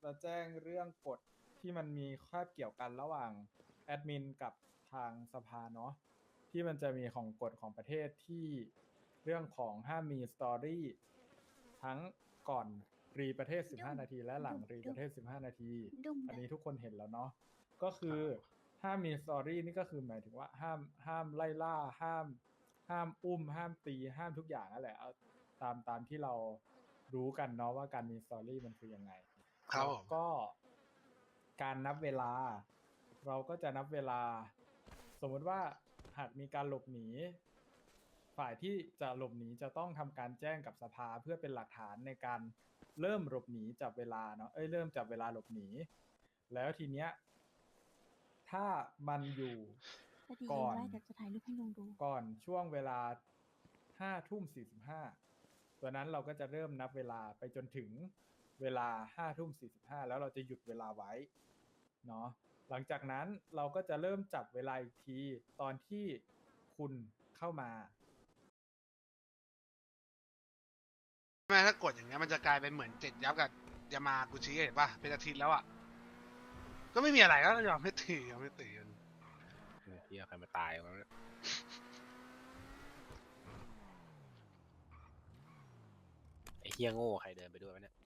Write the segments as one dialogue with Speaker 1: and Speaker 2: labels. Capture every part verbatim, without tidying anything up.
Speaker 1: จะแจ้งเรื่องกฎที่มันมีคาบเกี่ยวกันระหว่างแอดมินกับทางสภาเนาะที่มันจะมีของกฎของประเทศที่เรื่องของห้ามมีสตอรี่ทั้งก่อนรีประเทศสิบห้านาทีและหลังรีประเทศสิบห้านาทีอันนี้ทุกคนเห็นแล้วเนาะก็คือห้ามมีสตอรี่นี่ก็คือหมายถึงว่าห้ามห้ามไล่ล่าห้ามห้ามอุ้มห้ามตีห้ามทุกอย่างนั่นแหละเอาตามตามที่เรารู้กันเนาะว่าการมีสตอรี่มันคือยังไงแล้วก็การนับเวลาเราก็จะนับเวลาสมมติว่าหากมีการหลบหนีฝ่ายที่จะหลบหนีจะต้องทำการแจ้งกับสภาเพื่อเป็นหลักฐานในการเริ่มหลบหนีจับเวลาเนาะเอ้ยเริ่มจับเวลาหลบหนีแล้วทีเนี้ยถ้ามันอยู่ก่อนก่อนช่วงเวลาห้าทุ่มสี่สิบห้าตัวนั้นเราก็จะเริ่มนับเวลาไปจนถึงเวลาห้าทุ่มสี่สิบห้าแล้วเราจะหยุดเวลาไว้เนาะหลังจากนั้นเราก็จะเริ่มจับเวลาอีกทีตอนที่คุณเข้ามา
Speaker 2: แม่ถ้ากดอย่างเงี้ยมันจะกลายเป็นเหมือนเจ็ดยับกับยามากุชิเห็นป่ะเป็นอาทิตย์แล้วอ่ะก็ไม่มีอะไรก็ยอมไม่ตียอมไม่ตีกัน
Speaker 3: เฮียใครมาตายมาเนี่ยไอ้เฮียโง่ใครเดินไปด้วยวะเนี่ย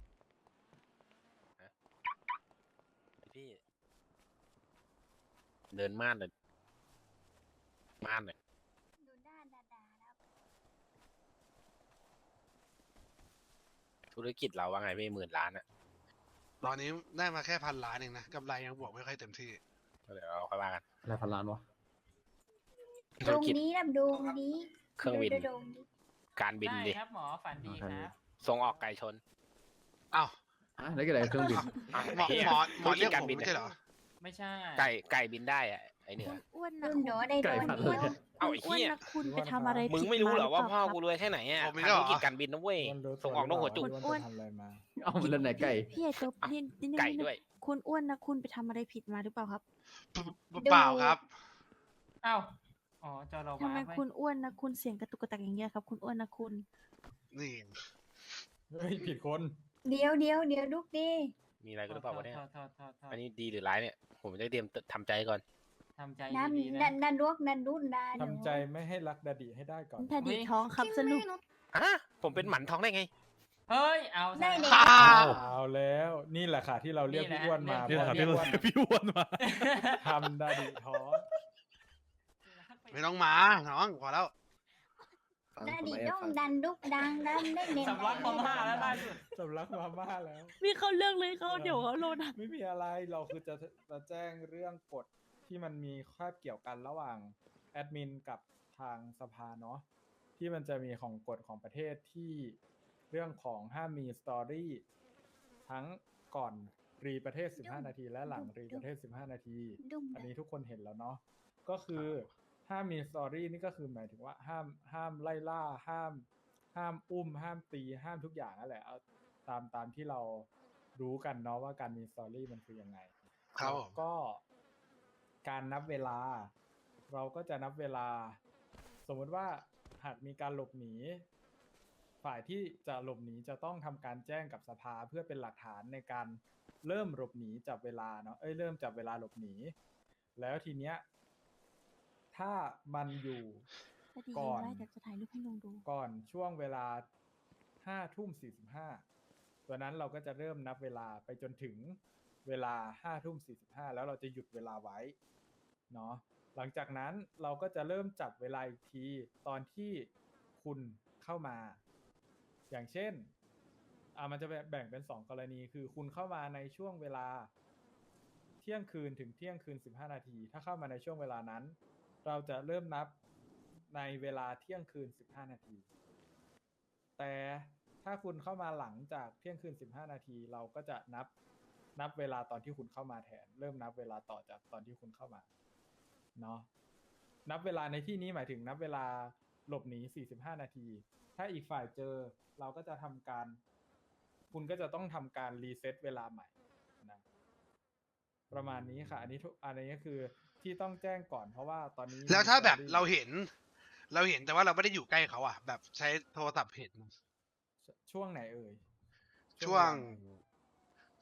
Speaker 3: ฮะพี่เดินม่านเลยม่านเลยดูด้านดาดาแล้วธุรกิจเราว่าไงพี่หมื่นล้านอะ
Speaker 2: ตอนนี้ได้มาแค่พันล้านเองนะกำไรยังบวกไม่ค่อยเต็มที่
Speaker 3: เดี๋ยวเราค่อยว่ากัน
Speaker 4: อะไรพันล้านวะ
Speaker 5: ตรงนี้นะดูนี้
Speaker 3: เครื่องบินการบินดิ
Speaker 6: ครับหมอฝันดีครับ
Speaker 3: ส่งออกไก่ชน
Speaker 2: อ้าว
Speaker 4: อ่ะแล้วก็อะไรเครื่องบิน
Speaker 2: หมอหมอหมอเรียกผมไม่ใช่เหรอ
Speaker 6: ไม่ใช่
Speaker 3: ไก่ไก่บินได้อะไอเหนือ
Speaker 5: อ้วนนะหนูได้โดน
Speaker 3: เอาไอ้เหี้ย
Speaker 5: คุณไปทำอะไร
Speaker 3: มึงไม่รู้เหรอว่าพ่อกูรวยแค่ไหนอ่ะทำธุรกิจการบินนะเว้ยส่งออกนอกหัวจุก
Speaker 1: อ้วนมา
Speaker 4: เอามันแล้วไหนไก่
Speaker 5: พี่ไอ้ตัวนี่นี่
Speaker 3: ไก่ด้วย
Speaker 5: คุณอ้วนนะคุณไปทำอะไรผิดมาหรือเปล่าครับ
Speaker 2: เปล่าครับ
Speaker 6: อ้าวอ๋อจอเรา
Speaker 5: ทำไมคุณอ้วนนะคุณเสียงกระตุกกระตักอย่างเงี้ยครับคุณอ้วนนะคุณ
Speaker 2: นี่
Speaker 1: เฮ้ยผิดคน
Speaker 5: เดี๋ยวเดี๋ยวเดี๋ยวลูกดิ
Speaker 3: มีอะไรกันหรือเปล่าวะเนี่ยอันนี้ดีหรือร้ายเนี่ยผมจะเตรียมทำใจก่อน
Speaker 6: ทำใจ
Speaker 5: ดีๆนะนั่นลูกนั่นรุ่นนะ
Speaker 1: ทำใจไม่ให้รักดาดิให้ได้ก่อน
Speaker 5: ดาดิท้องครับสนุก
Speaker 3: อ่ะผมเป็นหมันท้องได้ไง
Speaker 6: เฮ้ยเอา
Speaker 5: ได้เลย
Speaker 1: เอาแล้วนี่แหละค่ะที่เราเรียกพี่อ้วนมา
Speaker 4: ที่เราเรียกพี่อ้วนมา
Speaker 1: ทำดาดิท้อง
Speaker 2: ไม่ต้องมาน้องพอแล้ว
Speaker 5: ดาดิต้องดันดุกดังดันได้เน้น
Speaker 6: สำลักมาม่าแล้วได้สุด
Speaker 1: สำลักมาม่าแล้ว
Speaker 5: มีเขาเรื่องเลยเขาเดี๋ยวเขาโลด
Speaker 1: ไม่มีอะไรเราคือจะจะแจ้งเรื่องกฎที่มันมีคาบเกี่ยวกันระหว่างแอดมินกับทางสภาเนาะที่มันจะมีของกฎของประเทศที่เรื่องของห้ามมีสตอรี่ทั้งก่อนรีประเทศสิบห้านาทีและหลังรีประเทศสิบห้านาทีอันนี้ทุกคนเห็นแล้วเนาะก็คือห้ามมีสตอรี่นี่ก็คือหมายถึงว่าห้ามห้ามไล่ล่าห้ามห้ามอุ้มห้ามตีห้ามทุกอย่างนั่นแหละเอาตามตามที่เรารู้กันเนาะว่าการมีสตอรี่มันคือยังไง
Speaker 2: ครับ
Speaker 1: ก็การนับเวลาเราก็จะนับเวลาสมมติว่าหากมีการหลบหนีฝ่ายที่จะหลบหนีจะต้องทำการแจ้งกับสภาเพื่อเป็นหลักฐานในการเริ่มหลบหนีจับเวลาเนาะเอ้ยเริ่มจับเวลาหลบหนีแล้วทีเนี้ยถ้ามันอยู่ก่อนก่อนช่วงเวลาห้าทุ่มสี่สิบห้าตัวนั้นเราก็จะเริ่มนับเวลาไปจนถึงเวลาห้าทุ่มสี่สิบห้าแล้วเราจะหยุดเวลาไว้เนาะหลังจากนั้นเราก็จะเริ่มจับเวลาอีกทีตอนที่คุณเข้ามาอย่างเช่นอ่ามันจะแบ่งเป็นสองกรณีคือคุณเข้ามาในช่วงเวลาเที่ยงคืนถึงเที่ยงคืนสิบห้านาทีถ้าเข้ามาในช่วงเวลานั้นเราจะเริ่มนับในเวลาเที่ยงคืนสิบห้านาทีแต่ถ้าคุณเข้ามาหลังจากเที่ยงคืนสิบห้านาทีเราก็จะนับนับเวลาตอนที่คุณเข้ามาแทนเริ่มนับเวลาต่อจากตอนที่คุณเข้ามาเนาะนับเวลาในที่นี้หมายถึงนับเวลาหลบหนีสี่สิบห้านาทีถ้าอีกฝ่ายเจอเราก็จะทำการคุณก็จะต้องทำการรีเซ็ตเวลาใหม่นะประมาณนี้ค่ะอันนี้ทุกอันนี้ก็คือที่ต้องแจ้งก่อนเพราะว่าตอนนี้
Speaker 2: แล้วถ้าแบบเราเห็นเราเห็นแต่ว่าเราไม่ได้อยู่ใกล้เขาอ่ะแบบใช้โทรศัพท์เห็น
Speaker 1: ช่วงไหนเอ่ย
Speaker 2: ช่วง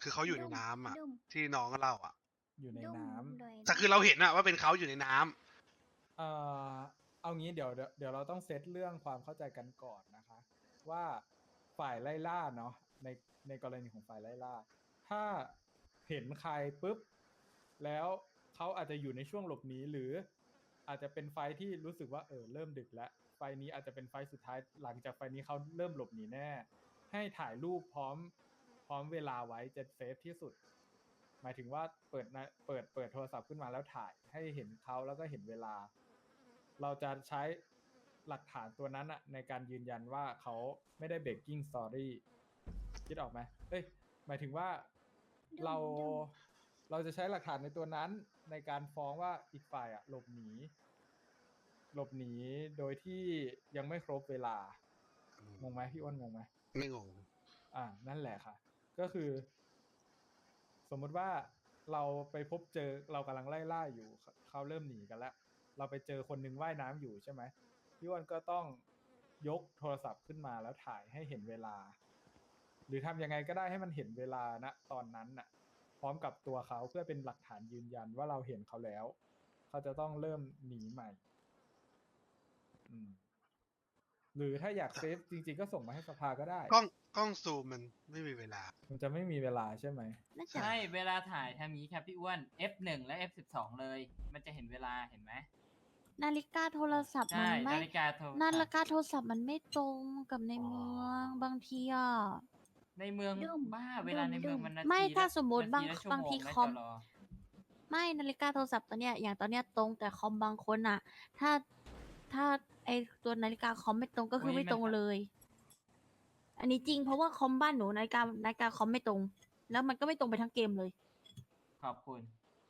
Speaker 2: คือเขาอยู่ในน้ำอ่ะ
Speaker 5: ดุ้ม
Speaker 2: ที่น้องเล่าอ่ะ
Speaker 1: อยู่ใน
Speaker 5: ดุ้ม
Speaker 1: น้ำ
Speaker 5: โดย
Speaker 2: แต่คือเราเห็นอะว่าเป็นเขาอยู่ในน้ำ
Speaker 1: เอ่อเอางี้เดี๋ยวเดี๋ยวเดี๋ยวเราต้องเซตเรื่องความเข้าใจกันก่อนนะคะ ว่าฝ่ายไล่ล่าเนาะในในกรณีของฝ่ายไล่ล่า ถ้าเห็นใครปุ๊บแล้วเขาอาจจะอยู่ในช่วงหลบหนีหรืออาจจะเป็นไฟท์ที่รู้สึกว่าเออเริ่มดึกแล้วไฟท์นี้อาจจะเป็นไฟท์สุดท้ายหลังจากไฟท์นี้เขาเริ่มหลบหนีแน่ ให้ถ่ายรูปพร้อมพร้อมเวลาไว้จะเซฟที่สุด หมายถึงว่าเปิดนะเปิดเปิดโทรศัพท์ขึ้นมาแล้วถ่ายให้เห็นเขาแล้วก็เห็นเวลา เราจะใช้หลักฐานตัวนั้นอะในการยืนยันว่าเขาไม่ได้ breaking story คิดออกไหมเอ้ยหมายถึงว่าเราเราจะใช้หลักฐานในตัวนั้นในการฟ้องว่าอีกฝ่ายอะหลบหนีหลบหนีโดยที่ยังไม่ครบเวลางงไหมพี่อ้วนงงไหม
Speaker 2: ไม่งง
Speaker 1: อ่า นั่นแหละค่ะ ก็คือ สมมุติว่าเราไปพบเจอเรากำลังไล่ล่าอยู่เขาเขาเริ่มหนีกันแล้ว เราไปเจอคนหนึงว่ายน้ำอยู่ใช่ไหมพี่อ้วนก็ต้องยกโทรศัพท์ขึ้นมาแล้วถ่ายให้เห็นเวลา หรือทำยังไงก็ได้ให้มันเห็นเวลาณตอนนั้นน่ะ พร้อมกับตัวเขาเพื่อเป็นหลักฐานยืนยันว่าเราเห็นเขาแล้ว เขาจะต้องเริ่มหนีใหม่ อืม หรือถ้าอยากเซฟจริงๆก็ส่งมาให้สภาก็ได้
Speaker 2: กล้องกล้องซูมมันไม่มีเวลา
Speaker 1: มันจะไม่มีเวลาใช่ไหม
Speaker 5: น่าจะ
Speaker 6: ใช่ เวลาถ่ายทำอย่างนี้ครับพี่อ้วน เอฟ หนึ่ง และ เอฟ สิบสอง เลย มันจะเห็นเวลาเห็นไหม
Speaker 3: นาฬิกาโทรศัพท์มั
Speaker 6: ใช่
Speaker 3: นไม่
Speaker 6: นาฬิกาโทร
Speaker 3: นาฬิกาโทรศัพท์มันไม่ตรงกับในเมืองบางทีอ่ะ
Speaker 6: ในเมือง
Speaker 5: ดุ้ม
Speaker 6: บ้า เวลาในเมือง
Speaker 5: ดุ้ม
Speaker 6: มันนาที
Speaker 3: ไม่ถ้า
Speaker 6: ละ
Speaker 3: สมมุติ
Speaker 6: น
Speaker 3: บาง
Speaker 6: ละชั่ว
Speaker 3: บาง
Speaker 6: โม
Speaker 3: ที
Speaker 6: นะ
Speaker 3: คอม
Speaker 6: จร
Speaker 3: ไม่นาฬิกาโทรศัพท์ตัวเนี้ยอย่างตอนเนี้ยตรงแต่คอมบางคนอ่ะ ถ้าถ้าไอตัวนาฬิกาคอมไม่ตรงก็คือ
Speaker 6: อุ๊ย
Speaker 3: ไม่ตรง
Speaker 6: มัน
Speaker 3: เลย อันนี้จริงเพราะว่าคอมบ้านหนูนาฬิกานาฬิกาคอมไม่ตรง แล้วมันก็ไม่ตรงไปทั้งเกมเลย
Speaker 6: ขอบคุณ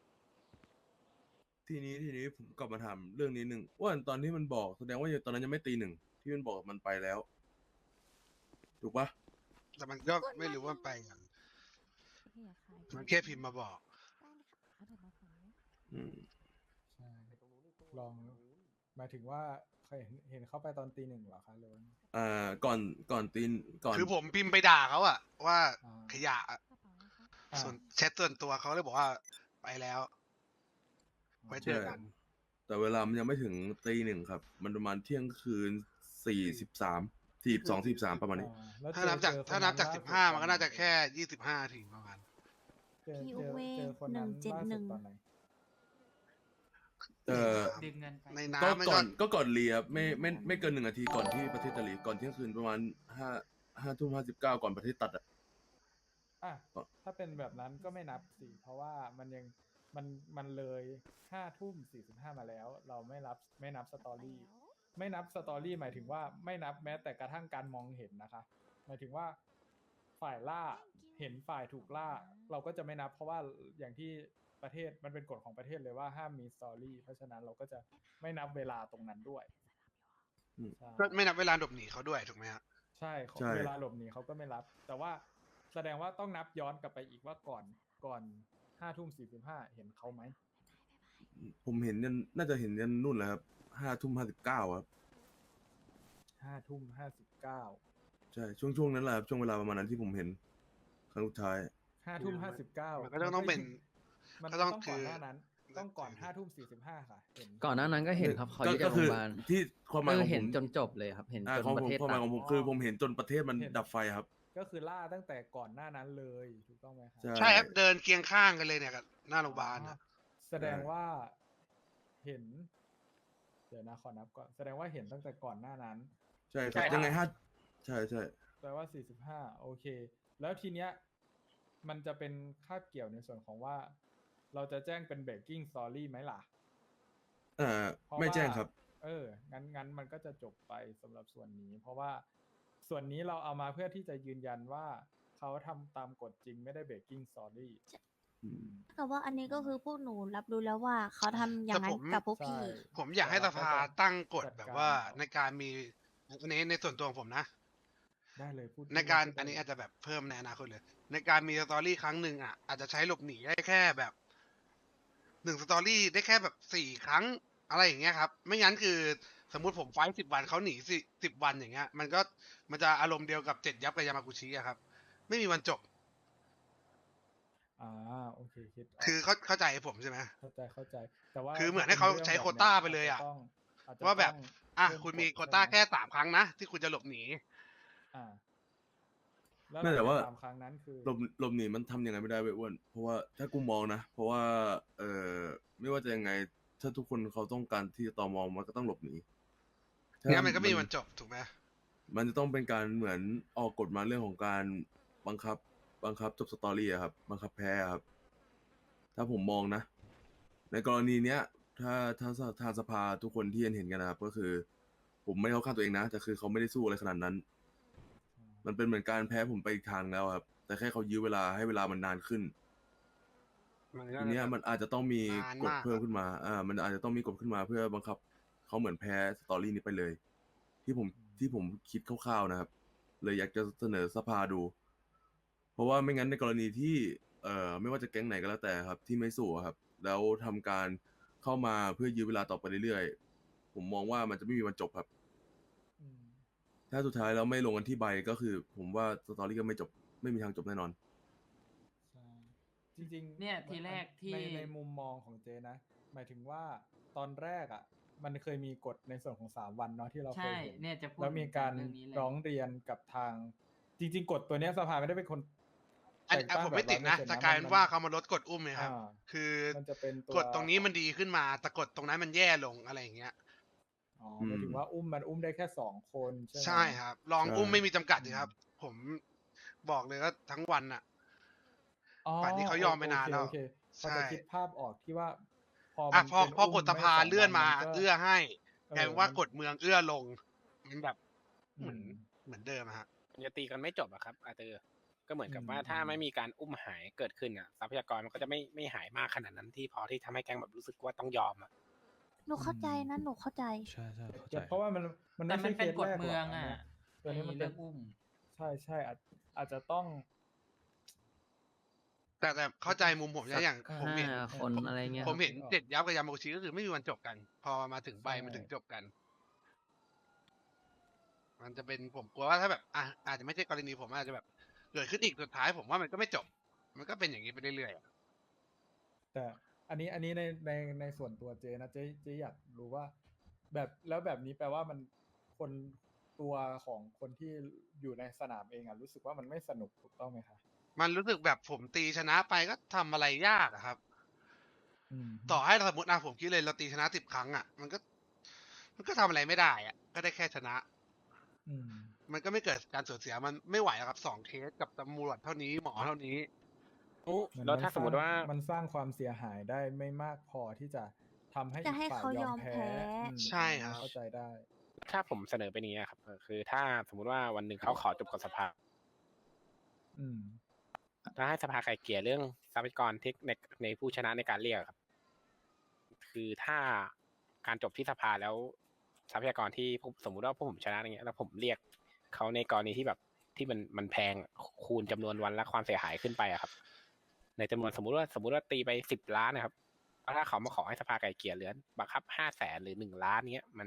Speaker 7: ทีนี้ทีนี้ผมกลับมาถามเรื่องนี้หนึ่งว่าตอนที่มันบอกแสดงว่าตอนนั้นยังไม่ตีหนึ่งที่มันบอกมันไปแล้ว ถูกปะ
Speaker 2: แต่มันก็ไม่รู้ว่าไปอย่างมันแค่พิมพ์มาบอก
Speaker 7: อืม
Speaker 1: ใช่ลองหมายถึงว่าเคยเห็นเห็นเขาไปตอนตีหนึ่งเหรอคะหรือว่า
Speaker 7: อ่าก่อนก่อนตีนก่อน
Speaker 2: คือผมพิมพ์ไปด่าเขาอะว่า
Speaker 1: อ่า
Speaker 2: ขยะอะ
Speaker 1: อ่า
Speaker 2: ส่วนแชทส่วนตัวเขาเลยบอกว่าไปแล้ว ไว้เจอกัน
Speaker 7: แต่เวลามันยังไม่ถึงตีหนึ่งครับ มันประมาณเที่ยงคืนสี่สิบสามสี่สองสี่สามประมาณนี้
Speaker 1: อ่าแล้ว
Speaker 2: ถ้า
Speaker 1: เจอ
Speaker 2: นับจาก
Speaker 1: เจอคน
Speaker 2: ถ้านับจาก
Speaker 1: ล่
Speaker 2: สิบ
Speaker 1: สุด
Speaker 2: ห้า
Speaker 1: ตอ
Speaker 2: มันก็น่าจะแค่ยี่สิบห้าทีประมาณ
Speaker 1: เจอ
Speaker 3: พี
Speaker 1: เจอ
Speaker 3: โอเว
Speaker 1: เจอคนนั้น
Speaker 3: หนึ่งเจ็ด
Speaker 1: ล่า
Speaker 3: หนึ่
Speaker 1: สุด
Speaker 3: ง
Speaker 1: ตอนไหน
Speaker 7: เอ่อ
Speaker 6: ดึงเงินไป
Speaker 2: ใน
Speaker 7: ก็
Speaker 2: น้ำมัน
Speaker 7: ก่
Speaker 2: ก็
Speaker 7: อนก็ก่อนเลียไม่ไม่ไม่เกินหนึ่งนาทีก่อนที่ประเทศจะหลีก่อนเที่ยงคืนประมาณห้าห้าทุ่มห้าสิบเก้าก่อนประเทศตัดอ่ะ
Speaker 1: อ่ะ
Speaker 7: ก็
Speaker 1: ถ้าเป็นแบบนั้นก็ไม่นับสิเพราะว่ามันยังมันมันเลยห้าทุ่มสี่สิบห้ามาแล้ว เราไม่รับไม่นับสตอรี่ไม่นับสตอรี่หมายถึงว่าไม่นับแม้แต่กระทั่งการมองเห็นนะคะ หมายถึงว่าฝ่ายล่าเห็นฝ่ายถูกล่า เราก็จะไม่นับ เพราะว่าอย่างที่ประเทศมันเป็นกฎของประเทศเลยว่าห้ามมีสตอรี่เพราะฉะนั้นเราก็จะไม่นับเวลาตรงนั้นด้วย
Speaker 7: อืม
Speaker 1: ใช่
Speaker 2: ก็ไม่นับเวลาหลบหนีเขาด้วยถูกไหมฮะ
Speaker 1: ใช่ของ
Speaker 7: ใช่
Speaker 1: เวลาหลบหนีเขาก็ไม่รับ แต่ว่าแสดงว่าต้องนับย้อนกลับไปอีกว่าก่อนก่อนห้าทุ่มสี่สิบห้าเห็นเขาไหม
Speaker 7: ผมเห็นยันน่าจะเห็นยันนู่นแหละครับห้าทุ่มห้าสิบเก้าครับ
Speaker 1: ห้าทุ่มห้าสิบเก้า
Speaker 7: ใช่ช่วงช่วงนั้นแหละครับช่วงเวลาประมาณนั้นที่ผมเห็นครั้งสุดท้าย
Speaker 1: ห้าทุ่มห้าสิบเก้า
Speaker 2: มันก็ต้องต้องเป็น
Speaker 1: มัน
Speaker 2: ก็
Speaker 1: ต้
Speaker 2: ต้
Speaker 1: อ
Speaker 2: อง ง
Speaker 1: ก่อน
Speaker 2: คือ
Speaker 1: หน้านั้น ต้องก่อนห้าทุ่มสี่สิบห้าค่ะเห็น
Speaker 4: ก่อนหน้านั้นก็เห็นครับเขาอยู่
Speaker 7: ก็
Speaker 4: จากโร
Speaker 7: คื
Speaker 4: งพยาบาล
Speaker 7: ที่ความหมาย
Speaker 4: คื
Speaker 7: ข
Speaker 4: อ
Speaker 7: อง
Speaker 4: เห็
Speaker 7: ผ
Speaker 4: น
Speaker 7: ม
Speaker 4: จนจบเลยครับ เห็น
Speaker 7: อ่า
Speaker 4: จน
Speaker 7: ของ
Speaker 4: ป
Speaker 7: ผ
Speaker 4: ระ
Speaker 7: ม
Speaker 4: เทศ
Speaker 7: ความห
Speaker 4: ตั
Speaker 7: มาย
Speaker 4: ด
Speaker 7: ของผมคือผมเห็นจนประเทศมัน
Speaker 1: เห็น
Speaker 7: ดับไฟครับ
Speaker 1: ก็คือล่าตั้งแต่ก่อนหน้านั้นเลยถูกต้องไหมครับ
Speaker 7: ใช่
Speaker 2: ใช่ครับเดินเคียงข้างกันเลยเนี่ยกับหน้าโรงพยาบาล
Speaker 1: อ๋อ
Speaker 2: อะ
Speaker 1: แสดงว่าเห็น เดี๋ยวนะขอนับก่อนแสดงว่าเห็นตั้งแต่ก่อนหน้านั้น
Speaker 7: ใช่ครับยังไงห้าใช่ใช่
Speaker 1: แปลว่าสี่สิบห้าโอเค แล้วทีเนี้ยมันจะเป็นคาบเกี่ยวในส่วนของว่า เราจะแจ้งเป็น breaking story ไหมล่ะ
Speaker 7: เอ่อ
Speaker 1: เพราะ
Speaker 7: ไม่แจ้ง
Speaker 1: ว่า
Speaker 7: ครับ
Speaker 1: เออ งั้นงั้นมันก็จะจบไปสำหรับส่วนนี้ เพราะว่าส่วนนี้เราเอามาเพื่อที่จะยืนยันว่าเขาทำตามกฎจริงไม่ได้ breaking story
Speaker 7: อืม
Speaker 3: แต่ว่าอันนี้ก็คือพวกหนูรับรู้แล้วว่าเขาทำอย่างนั้นกับพวกพี่
Speaker 1: ใช่
Speaker 2: ผมอยากให้สภาตั้งกฎแบบว่า
Speaker 1: จัดการ
Speaker 2: ในการมีอันนี้ในส่วนตัวของผมนะ
Speaker 1: ได้เลยพูด
Speaker 2: ในการ
Speaker 1: พูดได้
Speaker 2: อันนี้
Speaker 1: เลย
Speaker 2: อาจจะแบบเพิ่มในอนาคตเลย ในการมีสตอรี่ครั้งหนึ่งอ่ะอาจจะใช้หลบหนีได้แค่แบบหนึ่งสตอรี่ได้แค่แบบสี่ครั้งอะไรอย่างเงี้ยครับ ไม่งั้นคือสมมุติผมไฟสิบวันเขาหนีสิสิบวันอย่างเงี้ย มันก็มันจะอารมณ์เดียวกับเจ็ดยับกับยามากุชิอะครับ ไม่มีวันจบ
Speaker 1: โอเคคิดก
Speaker 2: คือเข้าเข้าใจผมใช่ไหม
Speaker 1: เข้าใจเข้าใจ แต่ว่า
Speaker 2: คือเหมือน
Speaker 1: ถ้
Speaker 2: ให้เขา
Speaker 1: ป็รื่อง
Speaker 2: ใช้
Speaker 1: แบบ
Speaker 2: โควต้า
Speaker 1: นี้ย
Speaker 2: ไปเลยอะ
Speaker 1: าจจต้องอาจจะ
Speaker 2: ว่าแบบ
Speaker 1: ต้อง
Speaker 2: อ่ะ
Speaker 1: เพิ่
Speaker 2: คุณมี
Speaker 1: กฎ
Speaker 2: โควต้า
Speaker 1: ใช่ไห
Speaker 2: แค่สามครั้งนะ ที่คุณจะหลบหนี
Speaker 1: อ่า แล้วห
Speaker 7: ไม่
Speaker 1: ลัง
Speaker 7: แต่
Speaker 1: จาก
Speaker 7: ว่า
Speaker 1: สามครั้งนั้นคือ
Speaker 7: หลบหลบหนีมันทำยังไงไม่ได้เว้ยอ้วน เพราะว่าถ้ากูมองนะ เพราะว่า เอ่อ ไม่ว่าจะยังไง ถ้าทุกคนเขาต้องการที่จะตมมันก็ต้องหลบหนีถ้า
Speaker 2: งั้นมันก็ไม่มีวันจบถูกไหม
Speaker 7: มันจะต้องเป็นการเหมือนออกกฎมาเรื่องของการบังคับ บังคับจบสตอรี่อะครับ บังคับแพ้อะครับ ถ้าผมมองนะ ในกรณีเนี้ย ถ้าถ้าสทางสภาทุกคนที่เห็นเห็นกันนะครับ ก็คือ ผมไม่เข้าข้างตัวเองนะ แต่คือเขาไม่ได้สู้อะไรขนาดนั้น มันเป็นเหมือนการแพ้ผมไปอีกทางแล้วครับ แต่แค่เขายื้อเวลาให้เวลามันนานขึ้น
Speaker 2: มันก็
Speaker 7: ทีเนี้ยมันอาจจะต้องมี
Speaker 2: นาน
Speaker 7: กฎ
Speaker 2: มาก
Speaker 7: เพิ่ม
Speaker 2: อะ
Speaker 7: ขึ้นมา อ่า มันอาจจะต้องมีกฎขึ้นมาเพื่อบังคับเขาเหมือนแพ้สตอรี่นี้ไปเลย ที่ผมที่ผมคิดคร่าวๆนะครับ เลยอยากจะเสนอสภาดู เพราะว่าไม่งั้นในกรณีที่ เอ่อ ไม่ว่าจะแก๊งไหนก็แล้วแต่ครับ ที่ไม่สู้อะครับ แล้วทำการเข้ามาเพื่อยื้อเวลาต่อไปเรื่อยๆ ผมมองว่ามันจะไม่มีวันจบครับ
Speaker 1: อืม
Speaker 7: ถ้าสุดท้ายแล้วไม่ลงกันที่ใบก็คือ ผมว่าสตอรี่ก็ไม่จบ ไม่มีทางจบแน่นอน
Speaker 1: ใช่ จริงๆ
Speaker 6: เนี่ย
Speaker 1: มั
Speaker 6: ทีแรกที่
Speaker 1: ในในมุมมองของเจนะ หมายถึงว่าตอนแรกอะมันเคยมีกฎในส่วนของสามวันเนาะที่เราเค
Speaker 6: ใช่
Speaker 1: ยเห็น
Speaker 6: เนี่ยจะพูด
Speaker 1: แล้วมีการ
Speaker 6: ถึงเรื่องนี้เลย
Speaker 1: ร้องเรียนกับทาง จริง ๆ กฎตัวเนี้ยสภาไม่ได้เป็นคน
Speaker 2: อัน
Speaker 1: แต่ง
Speaker 2: อ่ะ
Speaker 1: ตั้ง
Speaker 2: ผม
Speaker 1: แบ
Speaker 2: ไม่
Speaker 1: บ
Speaker 2: ติดนะ
Speaker 1: ร้อยเปอร์เซ็นต์
Speaker 2: จะ
Speaker 1: นะ
Speaker 2: กลาย
Speaker 1: มั
Speaker 2: เป็น
Speaker 1: น
Speaker 2: ว่าเขามาลดกฎอุ้มไงครับ
Speaker 1: อ่า
Speaker 2: คือ
Speaker 1: มันจะเป็นตัว
Speaker 2: กฎตรงนี้มันดีขึ้นมา แต่กฎตรงนั้นมันแย่ลงอะไรอย่างเงี้ย
Speaker 1: อ๋อหมายถึงว่าอุ้มมันอุ้มได้แค่สองคนใช่ไหม
Speaker 2: ใช่ครับ ลอง
Speaker 7: ใช่
Speaker 2: อุ้มไม่มีจำกัด
Speaker 1: อื
Speaker 2: สิ
Speaker 1: ม
Speaker 2: ครับ ผมบอกเลยว่าทั้งวันอะ
Speaker 1: อ๋อ
Speaker 2: ป่านนี้เขายอมไปนานแล้ว
Speaker 1: โอเคโอเคพอ
Speaker 2: ใช่
Speaker 1: จะคิดภาพออกที่ว่า พอ
Speaker 2: อ่ะ
Speaker 1: มัน
Speaker 2: พอ
Speaker 1: เป็น
Speaker 2: พอ
Speaker 1: อุ้
Speaker 2: ก
Speaker 1: ม
Speaker 2: ฎส
Speaker 1: ไม่
Speaker 2: ภา
Speaker 1: สอง
Speaker 2: เลื่อ
Speaker 1: วัน น
Speaker 2: มา
Speaker 1: มันก็
Speaker 2: เอื้อให้
Speaker 1: เอก
Speaker 2: ลาย
Speaker 1: อ
Speaker 2: เป็นว่า
Speaker 1: มัน
Speaker 2: กฎเมืองเอื้อลง มันแบบ
Speaker 1: อื
Speaker 2: เหมือน
Speaker 1: ม
Speaker 2: เหมือนเดิมอะฮะ
Speaker 8: มันจะตีกันไม่จบอะครับอาเตอร์ก็เหมือนกับ
Speaker 1: อืม
Speaker 8: ว่าถ้า
Speaker 1: อืม
Speaker 8: ไม่มีการอุ้มหายเกิดขึ้นอะทรัพยากรมันก็จะไม่ไม่หายมากขนาดนั้นที่พอที่ทำให้แก๊งแบบรู้สึกว่าต้องยอมอะ
Speaker 3: หนูเข้าใจนะ หนูเข้าใจ
Speaker 9: ใช่ใช่เข้าใจ
Speaker 1: แต่เพราะว่ามันมัน
Speaker 6: แต่
Speaker 1: ไม่
Speaker 6: มั
Speaker 1: ใช่
Speaker 6: น
Speaker 1: เค
Speaker 6: เป็น
Speaker 1: ส
Speaker 6: กฎ
Speaker 1: แรกห
Speaker 6: เมื
Speaker 1: ร
Speaker 6: อ
Speaker 1: อก
Speaker 6: ง
Speaker 1: อัน
Speaker 6: อ่ะ
Speaker 1: เนี้ยตัวนี้มัน
Speaker 6: ไอ้
Speaker 1: เป็
Speaker 6: เรื่
Speaker 1: น
Speaker 6: องอุ้ม
Speaker 1: ใช่ใช่อาจอาจจะต้อง
Speaker 2: แต่แต่เข้าใจมุมผมนะอย่าง
Speaker 4: สัก
Speaker 2: ผมเห็น
Speaker 4: ห้าคน
Speaker 2: ผม
Speaker 4: อะไรเงี้ย
Speaker 2: ผมเห็น
Speaker 1: ครับ
Speaker 2: เจ็ดยับกับยามาโกชิก็คือไม่มีวันจบกัน พอมาถึงใบ
Speaker 1: ใช่
Speaker 2: มันถึงจบกัน มันจะเป็นผมกลัวว่าถ้าแบบอ่ะอาจจะไม่ใช่กรณีผมอาจจะแบบเกิดขึ้นอีกสุดท้าย ผมว่ามันก็ไม่จบ มันก็เป็นอย่างนี้ไปเรื่อยๆอะ
Speaker 1: แต่อันนี้อันนี้ในในในส่วนตัวเจนะเจเจอยากรู้ว่า แบบแล้วแบบนี้แปลว่ามันคนตัวของคนที่อยู่ในสนามเองอ่ะรู้สึกว่ามันไม่สนุกถูกต้องไหมคะ
Speaker 2: มันรู้สึกแบบผมตีชนะไปก็ทำอะไรยากอะครับ
Speaker 1: อืม
Speaker 2: ต่อให้สมมตินะผมคิดเลยเราตีชนะสิบครั้งอะมันก็ มันก็ทำอะไรไม่ได้อะก็ได้แค่ชนะ
Speaker 1: อืม
Speaker 2: มันก็ไม่เกิดการสูญเสียมันไม่ไหวอะครับสองเคสกับตำรวจเท่านี้หมอเท่านี้
Speaker 1: เหมือน
Speaker 8: แล้วถ้า
Speaker 1: มัน
Speaker 8: สมมติว่า
Speaker 1: มันสร้างความเสียหายได้ไม่มากพอที่จะทำให้
Speaker 3: จะให้
Speaker 1: อีกฝ่าย
Speaker 3: เขา
Speaker 1: ย
Speaker 3: ย
Speaker 1: อ
Speaker 3: อ
Speaker 1: ม
Speaker 3: ม
Speaker 1: แพ้
Speaker 3: แพ้
Speaker 1: อืม
Speaker 2: ใช่ครับ
Speaker 1: เข้าใจได้
Speaker 8: ถ้าผมเสนอไปนี้อะครับเออคือถ้าสมมุติว่าวันหนึ่งเขาขอจบกับสภา
Speaker 1: อืม
Speaker 8: ถ้าให้สภาไกลเกลี่ยเรื่องทรัพยากรที่ในในผู้ชนะในการเรียกอะครับ คือถ้าการจบที่สภาแล้วทรัพยากรที่ผมสมมุติว่าพวกผมชนะอย่างเงี้ยแล้วผมเรียกเขาในกรณีที่แบบที่มันมันแพงคูณจำนวนวันและความเสียหายขึ้นไปอะครับ ในจำนวนสมมุติว่าสมมุติว่าตีไปสิบล้านนะครับแล้วถ้าเขามาขอให้สภาไกลเกลี่ยเหลือบังคับห้าแสนหรือหนึ่งล้านเงี้ยมัน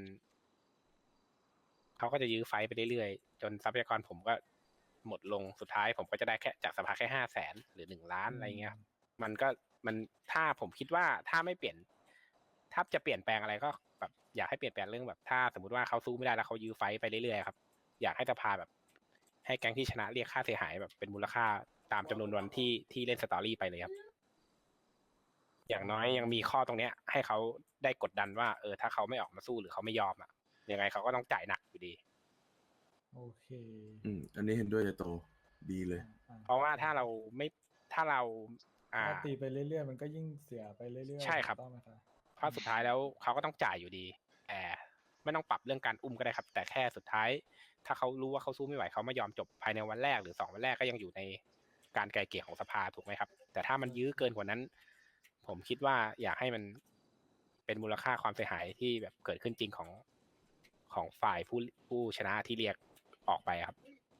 Speaker 8: เขาก็จะยื้อไฟไปเรื่อยๆจนทรัพยากรผมก็หมดลงสุดท้ายผมก็จะได้แค่จากสภาแค่ห้าแสนหรือหนึ่งล้านอะไรเงี้ยครับ มันก็มันถ้าผมคิดว่าถ้าไม่เปลี่ยน ถ้าจะเปลี่ยนแปลงอะไรก็แบบอยากให้เปลี่ยนแปลงเรื่องแบบถ้าสมมติว่าเขาสู้ไม่ได้แล้วเขายื้อไฟต์ไปเรื่อยๆครับอยากให้สภาแบบ ให้แก๊งที่ชนะเรียกค่าเสียหายแบบเป็นมูลค่าตามจำนวนวันที่ที่เล่นสตอรี่ไปเลยครับ อย่างน้อยยังมีข้อตรงเนี้ย ให้เขาได้กดดันว่าเออถ้าเขาไม่ออกมาสู้หรือเขาไม่ยอมอ่ะยังไงเขาก็ต้องจ่ายหนักอยู่ดี
Speaker 1: โอเค
Speaker 7: อืม อันนี้เห็นด้วยจะโต ดีเลย
Speaker 1: อ่า
Speaker 8: เพราะว่าถ้าเราไม่ถ้าเรา อ่า
Speaker 1: ถ้าตีไปเรื่อยๆ มันก็ยิ่งเสียไปเรื่อยๆ
Speaker 8: ใช่ครับ
Speaker 1: ถูกต้องไหมคะ
Speaker 8: เพราะสุดท้ายแล้วเขาก็ต้องจ่ายอยู่ดีแต่ไม่ต้องปรับเรื่องการอุ้มก็ได้ครับ แต่แค่สุดท้าย ถ้าเขารู้ว่าเขาสู้ไม่ไหวเขาไม่ยอมจบภายในวันแรกหรือสองวันแรกก็ยังอยู่ในการไกลเกลี่ยของสภาถูกไหมครับ แต่ถ้ามันยื้อเกินกว่านั้น ผมคิดว่าอยากให้มันเป็นมูลค่าความเสียหายที่แบบเกิดขึ้นจริงของของฝ่ายผู้ผู้ชนะที่เรียกออกไปครับ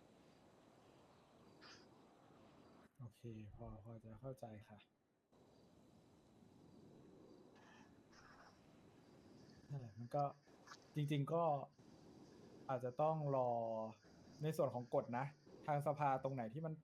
Speaker 1: โอเค พอพอจะเข้าใจค่ะนั่นแหละมันก็จริง ๆ ก็อาจจะต้องรอในส่วนของกฎนะ ทางสภาตรงไหนที่มันปรับ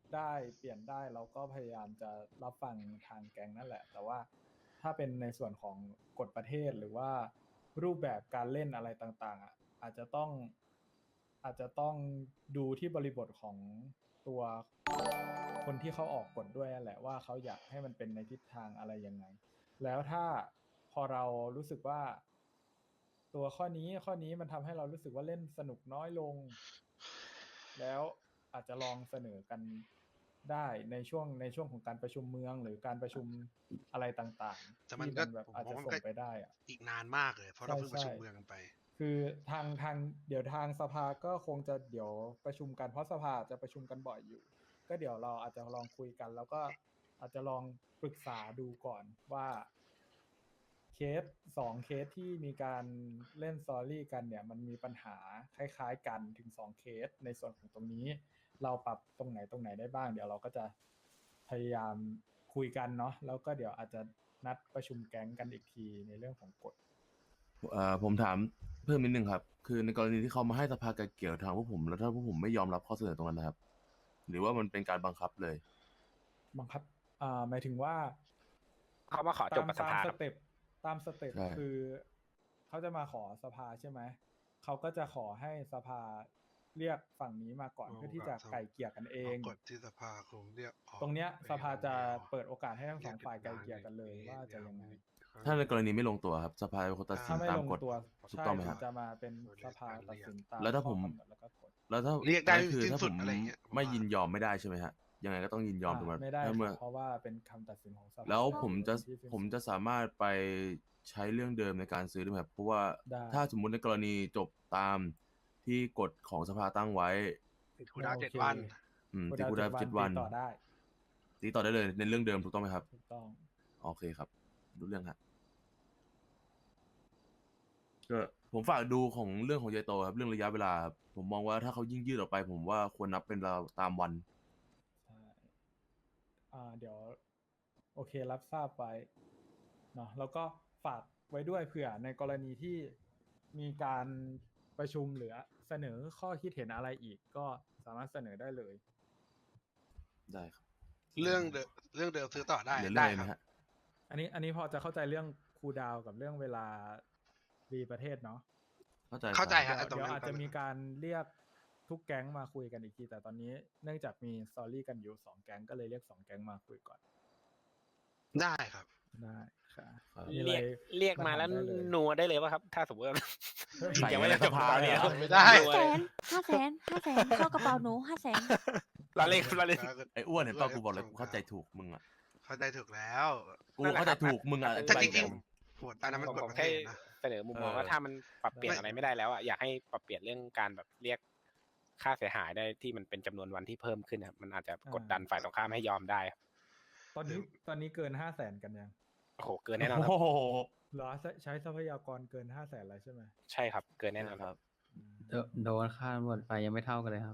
Speaker 1: ได้เปลี่ยนได้เราก็พยายามจะรับฟังทางแก๊งนั่นแหละ แต่ว่าถ้าเป็นในส่วนของกฎประเทศหรือว่ารูปแบบการเล่นอะไรต่างๆอ่ะอาจจะต้องอาจจะต้องดูที่บริบทของตัวคนที่เขาออกกฎด้วยนั่นแหละว่าเขาอยากให้มันเป็นในทิศทางอะไรยังไง แล้วถ้าพอเรารู้สึกว่า ตัวข้อนี้ข้อนี้มันทำให้เรารู้สึกว่าเล่นสนุกน้อยลง แล้วอาจจะลองเสนอกันได้ในช่วงในช่วงของการประชุมเมือง หรือการประชุมอะไรต่างๆ
Speaker 2: แต่มัน
Speaker 1: ที่
Speaker 2: ก็
Speaker 1: แบบ
Speaker 2: ผม
Speaker 1: อาจจะ
Speaker 2: ว่ามัน
Speaker 1: ส่ง
Speaker 2: ก็
Speaker 1: ไปได้อะ
Speaker 2: อีกนานมากเลย เพราะเราเพิ่งประชุม
Speaker 1: ใช่
Speaker 2: เมืองกันไป
Speaker 1: คือทางทางเดี๋ยวทางสภาก็คงจะเดี๋ยวประชุมกันเพราะสภาจะประชุมกันบ่อยอยู่ ก็เดี๋ยวเราอาจจะลองคุยกัน แล้วก็อาจจะลองปรึกษาดูก่อนว่าเคสสองเคสที่มีการเล่นสตอรี่กันเนี่ย มันมีปัญหาคล้ายๆกันถึงสองเคสในส่วนของตรงนี้ เราปรับตรงไหนตรงไหนได้บ้าง เดี๋ยวเราก็จะพยายามคุยกันเนาะแล้วก็เดี๋ยวอาจจะนัดประชุมแก๊งกันอีกทีในเรื่องของกฎ
Speaker 7: เอ่อผมถามเพิ่มนิดนึงครับ คือในกรณีที่เขามาให้สภาไกลเกลี่ยทางพวกผม แล้วถ้าพวกผมไม่ยอมรับข้อเสนอตรงนั้นนะครับ หรือว่ามันเป็นการบังคับเลย
Speaker 1: บังคับอ่าหมายถึงว่า
Speaker 8: เขามาขอจบกับส
Speaker 1: ตาม
Speaker 8: ภา
Speaker 1: ส
Speaker 8: ครับ
Speaker 1: เต็ปตามสเต็ป
Speaker 7: ใช่
Speaker 1: คือเขาจะมาขอสภาใช่ไหมเขาก็จะขอให้สภาเรียกฝั่งนี้มาก่อน
Speaker 2: เอา
Speaker 1: เพื่อที่จะ
Speaker 2: ครับ
Speaker 1: ไก่เกลี่ยกันเอ
Speaker 2: เอา
Speaker 1: ง
Speaker 2: กฎที่สภาคงเรียกออก
Speaker 1: ตรงเนี้ย
Speaker 2: ไป
Speaker 1: สภาจะ
Speaker 2: แล้ว
Speaker 1: เปิดโอกาสให้ทั้งสอง
Speaker 2: เรียก
Speaker 1: ฝ่ายไกล
Speaker 2: เป็น
Speaker 1: เกลี่ยกันเลย
Speaker 2: ล้าน
Speaker 1: ว่าจะยังไง
Speaker 7: ถ้าในกรณีไม่ลงตัวครับ สภาเป็นคนตัดสิ
Speaker 1: ถ้าน ไม่
Speaker 7: ตาม
Speaker 1: ลง
Speaker 7: กฎ
Speaker 1: ตัว
Speaker 7: ถูก
Speaker 1: ใช่
Speaker 7: ต้องไหม
Speaker 1: ถึ
Speaker 7: ครั
Speaker 1: ง
Speaker 7: บ
Speaker 1: จะมาเป็นสภาตัดสินตาม
Speaker 7: แล้วถ้าผม
Speaker 1: ข้อกำหนดแล้วก็กฎ
Speaker 7: แล้วถ้า
Speaker 2: เรียกได้
Speaker 7: นั่นคือ
Speaker 2: สิ้น
Speaker 7: ถ้า
Speaker 2: สุ
Speaker 7: ผ
Speaker 2: ด
Speaker 7: ม
Speaker 2: อะไรอย่างเงี้ยผม
Speaker 7: ไม่
Speaker 2: ว่ายิ
Speaker 7: ยินยอมไม่ได้ใช่ไหมฮะ ยังไงก็ต้องยินยอมถูกไหม
Speaker 1: อ่าไม่ได้
Speaker 7: ถ้าเมื่อ
Speaker 1: เพราะว่าเป็นคำตัดสินของสภา
Speaker 7: แล้วผมจะ
Speaker 1: ที่สิ้นสุด
Speaker 7: ผมจะสามารถไปใช้เรื่องเดิมในการซื้อได้ไหมครับ เพราะว่า
Speaker 1: ได้
Speaker 7: ถ้าสมมุติในกรณีจบตามที่กฎของสภาตั้งไว้
Speaker 2: ติดคูลดาวน์
Speaker 1: โอ
Speaker 2: เจ็ด
Speaker 1: เค
Speaker 2: วัน
Speaker 7: อืม
Speaker 1: คูล
Speaker 7: ติด
Speaker 1: ดาวน์
Speaker 7: คูลดาวน์
Speaker 1: เจ็
Speaker 7: เจ็
Speaker 1: ด
Speaker 7: ด
Speaker 1: วั
Speaker 7: วัน น
Speaker 1: ตีต่อได้
Speaker 7: ตีต่อได้เลยในเรื่องเดิมถูกต้องไหมครับ
Speaker 1: ถูกต้อง
Speaker 7: โอเคครับรู้เรื่องฮะก็ผมฝากดูของเรื่องของยายโตครับ เรื่องระยะเวลาครับผมมองว่าถ้าเขายิ่งยืดออกไป ผมว่าควรนับเป็นเราตามวัน
Speaker 1: ใช่ อ่า เดี๋ยว โอเครับทราบไว้เนาะ แล้วก็ฝากไว้ด้วยเผื่อในกรณีที่มีการประชุมหรือเสนอข้อคิดเห็นอะไรอีก ก็สามารถเสนอได้เลย
Speaker 7: ได้ครับ
Speaker 2: เรื่องเดิมเรื่องเดิมซื้อต่อได้
Speaker 7: เหลือเรื่อ
Speaker 2: ได้
Speaker 7: งอะไร
Speaker 2: ค
Speaker 7: ไหม
Speaker 2: รับ
Speaker 7: ฮะ
Speaker 1: อันนี้ อันนี้พอจะเข้าใจเรื่องคูลดาวน์กับเรื่องเวลารีประเทศเนาะ
Speaker 7: เข้าใจ
Speaker 2: เข้าใจ
Speaker 7: ครับ
Speaker 2: ฮะ
Speaker 1: เดี๋ยว
Speaker 2: ตรง
Speaker 1: เดี๋ยว
Speaker 2: นั้น
Speaker 1: อาจจะมีการเรียกทุกแก๊งมาคุยกันอีกที แต่ตอนนี้เนื่องจากมีสตอรี่กันอยู่สองแก๊งก็เลยเรียกสองแก๊งมาคุยก่อน
Speaker 2: ได้ครับ
Speaker 1: ได้ค่ะ
Speaker 7: ครับ
Speaker 1: มีอะไร
Speaker 8: เรียกเรียกมาแล้ว
Speaker 1: ถได้เลย
Speaker 8: นัวได้เลยป่ะครับ ถ้าสมมติว่า
Speaker 7: ใส่
Speaker 8: ยังไม่
Speaker 7: ไว้
Speaker 8: ได้
Speaker 7: ใน
Speaker 8: จ
Speaker 7: ส
Speaker 8: บ
Speaker 7: ภา
Speaker 8: ตอน
Speaker 7: เลย
Speaker 8: นี้
Speaker 7: เหรอ
Speaker 2: ไม่ได้
Speaker 3: ห้าแสนห้าแสนห้าแสนเข้ากระเป๋าหนูห้าแสน
Speaker 8: เราเล่นเราเล่น
Speaker 7: ไอ้อ้วนเห็นป่ะกูบอกเลยกูเข้าใจถูกมึงอ่ะ
Speaker 2: เข้าใจถูกแล้ว
Speaker 7: กูเข้าใจถูกมึงอ่ะ
Speaker 2: ถ้าจ
Speaker 7: อ
Speaker 2: ริง
Speaker 7: ธิบาย
Speaker 2: ๆโหดอันนั้นมัน
Speaker 8: ผม
Speaker 2: กฎ
Speaker 8: ผม
Speaker 2: ประเท
Speaker 8: แค่
Speaker 2: ศนะ
Speaker 8: เสนอมุมมอง
Speaker 7: เออ
Speaker 8: ว่าถ้ามันปรับเปลี่ยนอะไรไม่ได้แล้วอ่ะอยากให้ปรับเปลี่ยนเรื่องการแบบเรียกค่าเสียหายได้ที่มันเป็นจำนวนวันที่เพิ่มขึ้นครับมันอาจจะกดดันฝ่ายตรงข้ามให้ยอมได้ครับ
Speaker 1: ตอนนี้ตอนนี้เกินห้าแสนกันยัง
Speaker 8: โอ้โหเกินแน่นอนครับ
Speaker 7: โอ้โห
Speaker 1: เหรอใช้ใช้ทรัพยากรเกินห้าแสนแล้วใช่ไหม
Speaker 8: ใช่ครับ เกินแน่นอน
Speaker 7: ค
Speaker 8: ค
Speaker 7: รั
Speaker 8: รับ บ
Speaker 1: อืม
Speaker 4: โดโดนค่าตำรวจไปยังไม่เท่ากันเลยครับ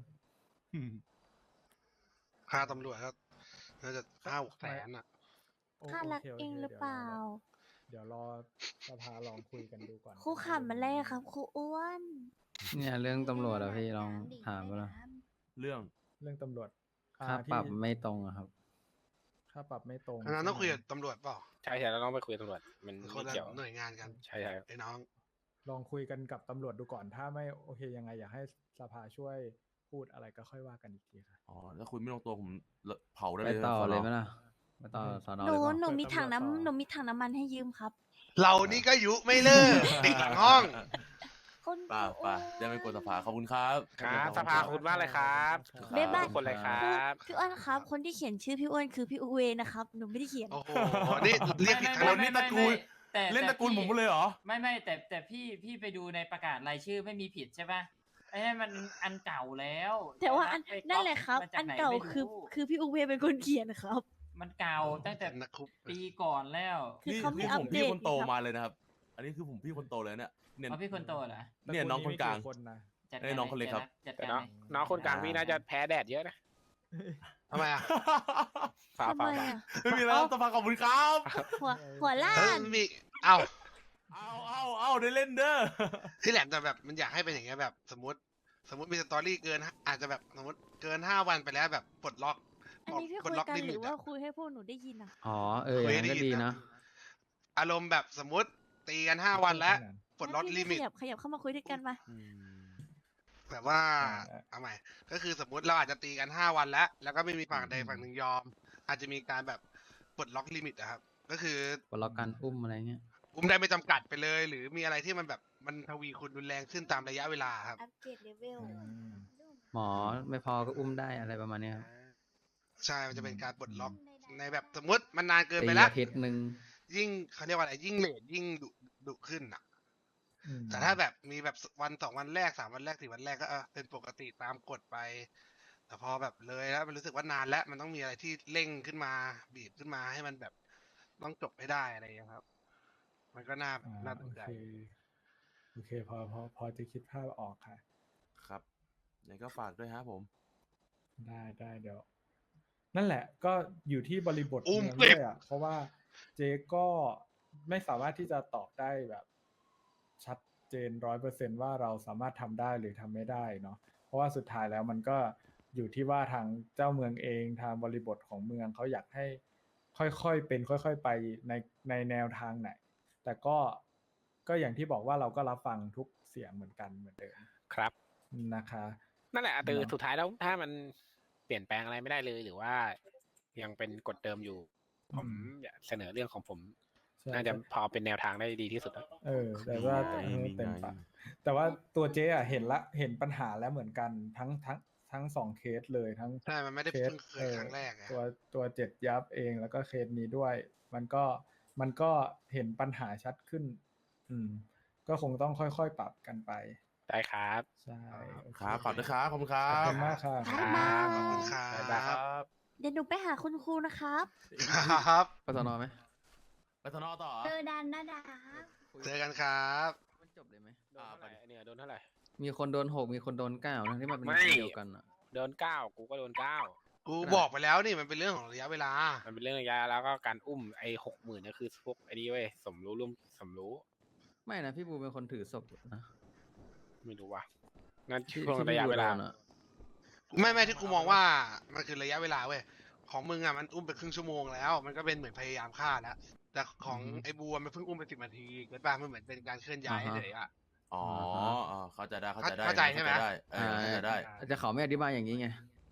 Speaker 2: ค่าตำรวจก็น่าจะห้าหกแสนอ่ะ
Speaker 1: โอ
Speaker 3: ค่ารัก
Speaker 1: โคโค
Speaker 3: เองหรือเปล่า
Speaker 1: เดี๋ยวรอเดี๋ยวรอสภาลองคุยกันดูก่อน
Speaker 3: ครูขำมาเลยครับครูอ้วน
Speaker 4: เนี่ยเรื่องตำรวจอะพี่ลองถามดูนะ
Speaker 7: เรื่อง
Speaker 1: เรื่องตำรวจอ่
Speaker 4: ค่าปรับ
Speaker 1: ที่
Speaker 4: ไม่ตรงอะครับ
Speaker 1: ค่าปรับไม่ตรง
Speaker 2: อันนั้นต้องคุยกับ
Speaker 1: ใช่ไหม
Speaker 2: ตำรวจเปล่า
Speaker 8: ใช่ใช่เราต้องไปคุยกับตำรวจมัน
Speaker 2: ค
Speaker 8: ไม่
Speaker 2: นละ
Speaker 8: เกี่ยว
Speaker 2: หน่วยงานกัน
Speaker 8: ใช่ใช่ครับ
Speaker 2: ไอ้น้อง
Speaker 1: ลองคุยกันกับตำรวจดูก่อน ถ้าไม่โอเคยังไงอยากให้สภาช่วยพูดอะไรก็ค่อยว่ากันอีกทีค่ะ
Speaker 7: อ๋อถ้าคุยไม่ลงตัวผมเผาได้
Speaker 4: ไป
Speaker 7: เลย
Speaker 4: ต่อ
Speaker 7: สน
Speaker 4: เลยไหมล่ะไปต่อสอนอ
Speaker 3: ห
Speaker 4: เล
Speaker 3: นู
Speaker 4: ยเปล่า
Speaker 3: หนูมีถัง
Speaker 1: ตำรวจต่อ
Speaker 3: น้ำหนูมีถังน้ำมันให้ยืมครับ
Speaker 2: เรานี่ก็ยุไม่เลิก เด็กหลังห้อง
Speaker 3: คน
Speaker 7: ป่าป่าจะไม่กวนสภาขอบคุณครับ
Speaker 8: ครับสภาคุณว่าอะไรครับ
Speaker 1: บ๊ายบาย
Speaker 8: ทุกคนเลยครับ
Speaker 3: พี่อ้วนครับ คนที่เขียนชื่อพี่อ้วนคือพี่อูเวนะครับ หนูไม่ได้เขียน
Speaker 2: โอ้โห นี่เรียกผิด
Speaker 6: ไม่
Speaker 2: ค
Speaker 6: ไม่
Speaker 2: น
Speaker 6: ไม่
Speaker 7: นี่ตระกูล
Speaker 6: แต่
Speaker 7: เล่นตระกูล
Speaker 6: แต่
Speaker 7: ผม
Speaker 6: พี่
Speaker 7: เลยเหรอ
Speaker 6: ไม่ไม่แต่แต่พี่พี่ไปดูในประกาศรายชื่อไม่มีผิดใช่ปะไอ้นั่นมันอันเก่าแล้ว
Speaker 3: แต่ว่าอัน
Speaker 6: ไปก๊อป
Speaker 3: นั่นแหละครับ
Speaker 6: มจ
Speaker 3: อัน
Speaker 6: ไห
Speaker 3: เก่า
Speaker 6: ไม่
Speaker 3: คือ
Speaker 6: รู้
Speaker 3: คือพี่อูเวเป็นคนเขียนครับ
Speaker 6: มันเก่าตั้งแต่
Speaker 2: นักคุก
Speaker 6: ปีก่อนแล้ว
Speaker 3: คือ
Speaker 7: นี่
Speaker 3: เขาไม่
Speaker 7: นี่
Speaker 3: อั
Speaker 7: ผ
Speaker 3: ป
Speaker 7: ม
Speaker 3: เด
Speaker 7: พี่
Speaker 3: ต
Speaker 7: คนโต
Speaker 3: อีกครับ
Speaker 7: มาเลยนะครับ อันนี้คือผมพี่คนโตเลยเนี่ยเนี่ย
Speaker 6: เอาพี่คนโตเหรอ
Speaker 7: เนี่ยน้องคนกลาง
Speaker 1: ตระกูลนี้มีคนนะ
Speaker 6: จัด
Speaker 7: เอ้ย
Speaker 6: การ
Speaker 7: น้องคนเล็กครับ
Speaker 6: จัด
Speaker 8: แต่
Speaker 6: การ
Speaker 8: น้อง
Speaker 6: เลย
Speaker 8: น้องคนกลางพี่น่าจะแพ้แดดเยอะนะ
Speaker 2: ทำไมอ่ะ
Speaker 8: ฝ่า
Speaker 3: ทำไม
Speaker 8: ฝ่า
Speaker 3: อ่ะ
Speaker 7: ไม่มีแล้วสภาขอบคุณครับ
Speaker 3: หัวหัวล้า
Speaker 2: เออน มี เอ้า
Speaker 7: เอาเอาเอาได้เล่นเด้อ
Speaker 2: ที่แหลมแต่แบบมันอยากให้เป็นอย่างเงี้ยแบบสมมติ สมมติมีสตอรี่เกิน อาจจะแบบสมมติเกินห้าวันไปแล้วแบบปลดล็อก
Speaker 3: อันนี้พี่
Speaker 2: ปล
Speaker 3: คุ
Speaker 2: ด
Speaker 3: ย
Speaker 2: ล็อก
Speaker 3: กัน
Speaker 2: ลิ
Speaker 3: ห
Speaker 2: มิ
Speaker 3: รือ
Speaker 2: ต
Speaker 3: ว่า
Speaker 2: อะ
Speaker 3: คุยให้พวกหนูได้ยินอ่ะ
Speaker 4: อ๋อเอออ
Speaker 2: คุย
Speaker 4: ย่าง
Speaker 2: ให้
Speaker 4: นั้นก็
Speaker 2: ได้
Speaker 4: ดี
Speaker 2: ยิน
Speaker 4: นะ
Speaker 2: อารมณ์แบบสมมติตีกันห้าวันแล้วปลดล็อก
Speaker 3: พี่
Speaker 2: ลิ
Speaker 3: พี่
Speaker 2: มิ
Speaker 3: ข
Speaker 2: ต
Speaker 3: ยับขยับเข้ามาคุยด้วยกันมา
Speaker 2: แบบว่า
Speaker 1: อ่า
Speaker 2: เอาใหม่ ก็คือสมมุติเราอาจจะตีกันห้าวันแล้ว แล้วก็ไม่มีฝั่งใด
Speaker 1: อืม
Speaker 2: ฝั่งหนึ่งยอม อาจจะมีการแบบปลดล็อกลิมิตอะครับ ก็คือ
Speaker 4: ปลดล็อกการอุ้มอะไรเงี้ย
Speaker 2: อุ้มได้ไม่จำกัดไปเลย หรือมีอะไรที่มันแบบมันทวีคูณรุนแรงขึ้นตามระยะเวลาครับ
Speaker 5: อัปเกรดเลเวล
Speaker 1: อืม
Speaker 4: หมอไม่พอก็อุ้มได้อะไรประมาณเนี้ยครับ
Speaker 2: ใช่ มันจะเป็นการปลดล็อก
Speaker 5: อืม
Speaker 2: ในแบบสมมติมันนานเกิน
Speaker 4: ตี
Speaker 2: ไปแล้ว
Speaker 4: อาทิตย์หนึ่ง
Speaker 2: ยิ่งเขาเรียกว่าอะไรยิ่งเลทยิ่งดุดุขึ้นอ่ะ
Speaker 1: อืม
Speaker 2: แต่ถ้าแบบมีแบบวันสองวันแรกสามวันแรกสี่วันแรกก็เออเป็นปกติตามกฎไป แต่พอแบบเลยแล้วมันรู้สึกว่านานแล้วมันต้องมีอะไรที่เร่งขึ้นมาบีบขึ้นมาให้มันแบบต้องจบให้ได้อะไรอย่างเงี้ยครับ มันก็น่า
Speaker 1: อ่า
Speaker 2: น่าส
Speaker 1: โอน
Speaker 2: ใจ
Speaker 1: เคโอเคพอพอพอจะคิดภาพออกค่ะ
Speaker 7: ครับยังไงก็ฝากด้วยฮะผม
Speaker 1: ได้ได้เดี๋ยว นั่นแหละก็อยู่ที่บริบท
Speaker 2: อุ้ม
Speaker 1: เมืองด้วยอ่ะ เพราะว่าเจ๊ก็ไม่สามารถที่จะตอบได้แบบ ชัดเจนร้อยเปอร์เซนว่าเราสามารถทำได้หรือทำไม่ได้เนาะเพราะว่าสุดท้ายแล้วมันก็อยู่ที่ว่าทางเจ้าเมืองเองทางบริบทของเมืองเขาอยากให้ค่อยๆเป็นค่อยๆไปในในแนวทางไหน แต่ก็ก็อย่างที่บอกว่าเราก็รับฟังทุกเสียงเหมือนกันเหมือนเดิม
Speaker 8: ครับ
Speaker 1: นะคะ
Speaker 8: นั่นแหละอาตือ
Speaker 1: เนาะ
Speaker 8: สุดท้ายแล้วถ้ามันเปลี่ยนแปลงอะไรไม่ได้เลย หรือว่ายังเป็นกฎเดิมอยู่ ผม
Speaker 1: อืม
Speaker 8: อยากเสนอเรื่องของผม
Speaker 1: ใช่
Speaker 8: น่าจะพอเป็นแนวทางได้ดีที่สุดแล้ว
Speaker 1: เออ แต่ว่า
Speaker 7: นี่ไง
Speaker 1: เออเต็ม
Speaker 7: นี่ไง
Speaker 1: ปากแต่ว่าตัวเจ๊อะเห็นละเห็นปัญหาแล้วเหมือนกันทั้งทั้งทั้งสองเคสเลยทั้ง
Speaker 2: ใช่ มันไม่ได้
Speaker 1: เคส
Speaker 2: เพิ่งเคยครั้งแรกอะ
Speaker 1: ตัวตัวเจ็ดยับเองแล้วก็เคสนี้ด้วย มันก็มันก็เห็นปัญหาชัดขึ้น อืม ก็คงต้องค่อยๆปรับกันไป
Speaker 8: ได้ครับ
Speaker 1: ใช่โอเ
Speaker 7: ครับฝากด้วยครับขอบคุณครั
Speaker 1: ขอบบ คุณมากค่ะ
Speaker 3: บ๊ายบาย
Speaker 2: ขอบคุณครับ
Speaker 8: บ๊ายบายครับ
Speaker 3: เดี๋ยวหนูไปหาคุณครูนะครับ
Speaker 2: ครับ
Speaker 4: ไปสอนอไหม
Speaker 7: ไปทนอต่อ
Speaker 5: เจอดันนะดา
Speaker 2: เจอกันครับ
Speaker 4: มันจบเลยไหม
Speaker 8: โดนเท่าไหร่เนี่ยโดนเท่าไหร่
Speaker 4: มีคนโดนหกมีคนโดนเก้าทั้งที่มันเป็น
Speaker 8: ไม่
Speaker 4: คนเดียวกันอ่ะ
Speaker 8: โดนเก้ากูก็โดนเก้า
Speaker 2: กูบอกไปแล้วนี่มันเป็นเรื่องของระยะเวลา
Speaker 8: มันเป็นเรื่องระยะแล้วก็การอุ้มไอ้หกหมื่นนี่คือพวกไอ้นี่เว้ยสมรู้ร่วมสมรู้
Speaker 4: ไม่นะพี่บูเป็นคนถือศพนะ
Speaker 8: ไม่รู้ว่ะนั่น
Speaker 4: ที่
Speaker 8: ช่วง
Speaker 4: ที่
Speaker 8: ระ
Speaker 4: พี่
Speaker 8: ยะ
Speaker 4: บู
Speaker 8: เว
Speaker 4: โด
Speaker 8: ลา
Speaker 4: นอ่ะ
Speaker 2: ไม่ไม่ที่กูมองว่ามันคือระยะเวลาเว้ยของมึงอ่ะมันอุ้มไปครึ่งชั่วโมงแล้ว มันก็เป็นเหมือนพยายามฆ่าแล้ว แต่ของ
Speaker 4: อือฮึ
Speaker 2: ไอ้บัวมันเพิ่งอุ้มไปสิบนาทีเกิดป่ะมันเหมือนเป็นการเคลื่อนย้าย
Speaker 4: อ่าฮะ
Speaker 2: เฉยๆอ่ะ
Speaker 7: อ๋ออ๋อเข้าใจได้เข้าใจได้
Speaker 2: เข้าใจใช่ไหม
Speaker 7: เข้าใจได้เออเข้าใจได้
Speaker 4: แต่เขาไม่อธิบายอย่างนี้ไง